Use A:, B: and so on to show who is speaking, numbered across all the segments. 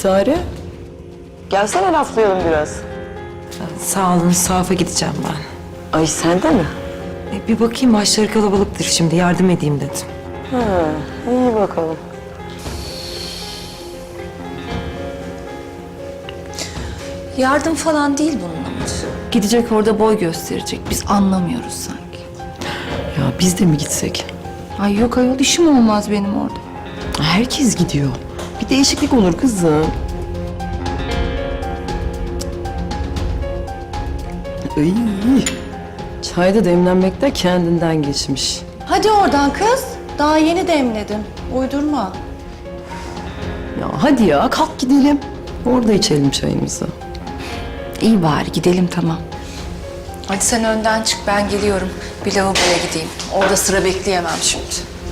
A: Sitare. Gelsene laflayalım biraz.
B: Sağ olun, sahafa gideceğim ben.
A: Ay sen de mi?
B: Bir bakayım, maçları kalabalıktır şimdi, yardım edeyim dedim.
A: Ha, iyi bakalım.
C: Yardım falan değil bunun amacı. Gidecek orada boy gösterecek. Biz anlamıyoruz sanki.
A: Ya biz de mi gitsek?
C: Ay yok ayol, işim olmaz benim orada.
A: Herkes gidiyor. Bir değişiklik olur kızım. Ay, çay da demlenmekte kendinden geçmiş.
C: Hadi oradan kız. Daha yeni demledim. Uydurma.
A: Ya hadi ya kalk gidelim. Orada içelim çayımızı.
C: İyi bari gidelim, tamam. Hadi sen önden çık, ben geliyorum. Bir lavaboya gideyim. Orada sıra bekleyemem şimdi.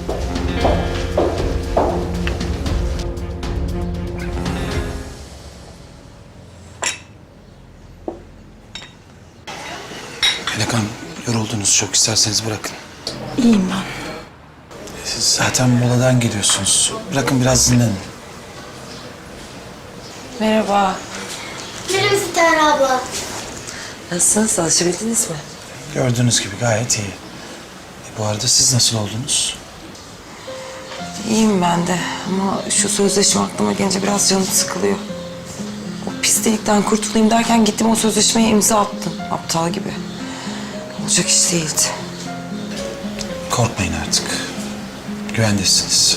D: Melek Hanım, yoruldunuz çok. İsterseniz bırakın.
C: İyiyim ben.
D: Siz zaten moladan geliyorsunuz. Bırakın biraz dinlenin.
B: Merhaba.
E: Merhaba Sitare abla.
B: Nasılsınız, alışabildiniz mi?
D: Gördüğünüz gibi gayet iyi. Bu arada siz nasıl oldunuz?
B: İyiyim ben de ama şu sözleşme aklıma gelince biraz canım sıkılıyor. O pis delikten kurtulayım derken gittim o sözleşmeye imza attım. Aptal gibi. Olacak iş değildi.
D: Korkmayın artık. Güvendesiniz.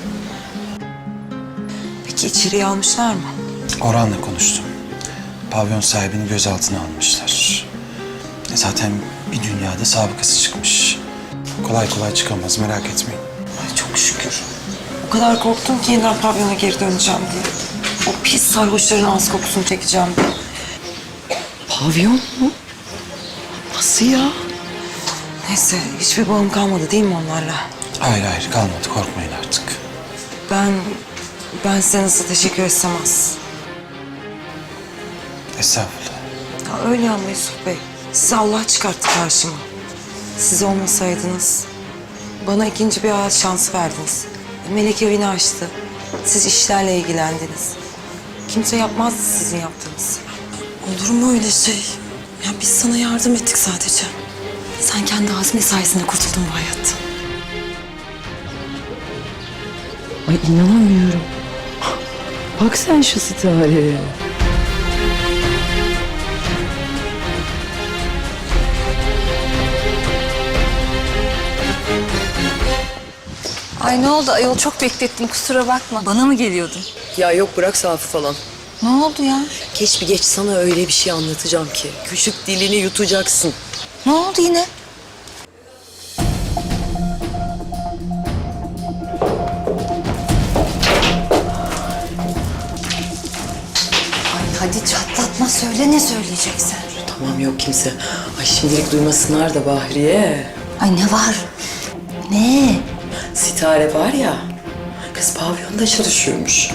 B: Peki içeriye almışlar mı?
D: Orhan'la konuştum. Pavyon sahibini gözaltına almışlar. Zaten bir dünyada sabıkası çıkmış. Kolay kolay çıkamaz, merak etmeyin.
B: Ay çok şükür. O kadar korktum ki yeniden pavyona geri döneceğim diye. O pis sarhoşların ağız kokusunu çekeceğim diye.
A: Pavyon mu? Nasıl ya?
B: Neyse hiçbir bağım kalmadı değil mi onlarla?
D: Hayır hayır, kalmadı. Korkmayın artık.
B: Ben size nasıl teşekkür etsem az.
D: Estağfurullah.
B: Ya öyle ama Yusuf Bey. Sizi Allah çıkarttı karşıma. Siz olmasaydınız bana ikinci bir hayat şansı verdiniz. Melek evini açtı. Siz işlerle ilgilendiniz. Kimse yapmazdı sizin yaptığınızı.
F: Olur mu öyle şey? Ya biz sana yardım ettik sadece. Sen kendi azmin sayesinde kurtuldun bu hayattan.
A: Ay inanamıyorum. Bak sen şu Sitare'ye.
C: Ay ne oldu ayol, çok beklettim, kusura bakma.
F: Bana mı geliyordun?
A: Ya yok bırak Safi falan.
C: Ne oldu ya?
A: Geç bir geç sana öyle bir şey anlatacağım ki. Küçük dilini yutacaksın.
C: Ne oldu yine? Ay hadi çatlatma, söyle ne söyleyeceksin?
A: Tamam yok kimse. Ay şimdilik duymasınlar da Bahriye.
C: Ay ne var? Ne?
A: Sitare var ya, kız pavyonda çalışıyormuş.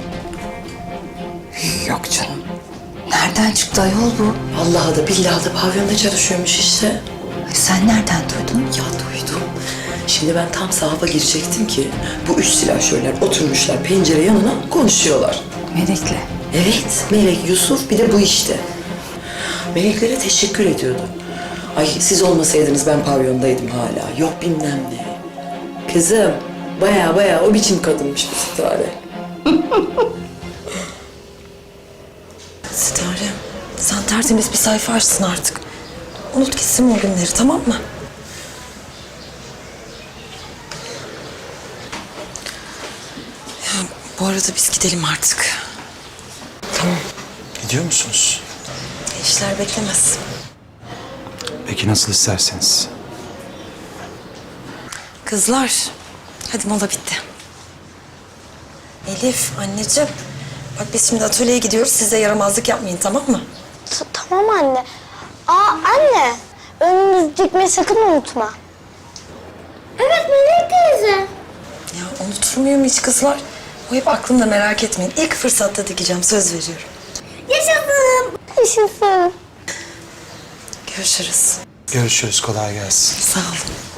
C: Yok canım. Nereden çıktı ayol bu?
A: Vallahi da billahi da pavyonda çalışıyormuş işte.
C: Ay sen nereden duydun?
A: Ya duydum. Şimdi ben tam sahafa girecektim ki bu üç silahşörler oturmuşlar pencere yanına konuşuyorlar.
C: Melek'le.
A: Evet, Melek, Yusuf bir de bu işte. Meleklere teşekkür ediyordu. Ay siz olmasaydınız ben pavyondaydım hala. Yok bilmem ne. Kızım, baya o biçim kadınmış bu Sitare.
F: Sitare, sen tertemiz bir sayfa açsın artık. Unut gitsin o günleri, tamam mı? Ya bu arada biz gidelim artık.
A: Tamam.
D: Gidiyor musunuz?
F: İşler beklemez.
D: Peki nasıl isterseniz.
F: Kızlar, hadi mola bitti. Elif, anneciğim. Bak biz şimdi atölyeye gidiyoruz. Siz de yaramazlık yapmayın, tamam mı?
E: Tamam anne. Aa anne, önümüzü dikmeyi sakın unutma. Evet Melek teyze.
F: Ya unutur muyum hiç kızlar? O hep aklımda, merak etmeyin. İlk fırsatta dikeceğim, söz veriyorum.
E: Yaşasın. Yaşasın.
F: Görüşürüz.
D: Görüşürüz, kolay gelsin.
F: Sağ olun.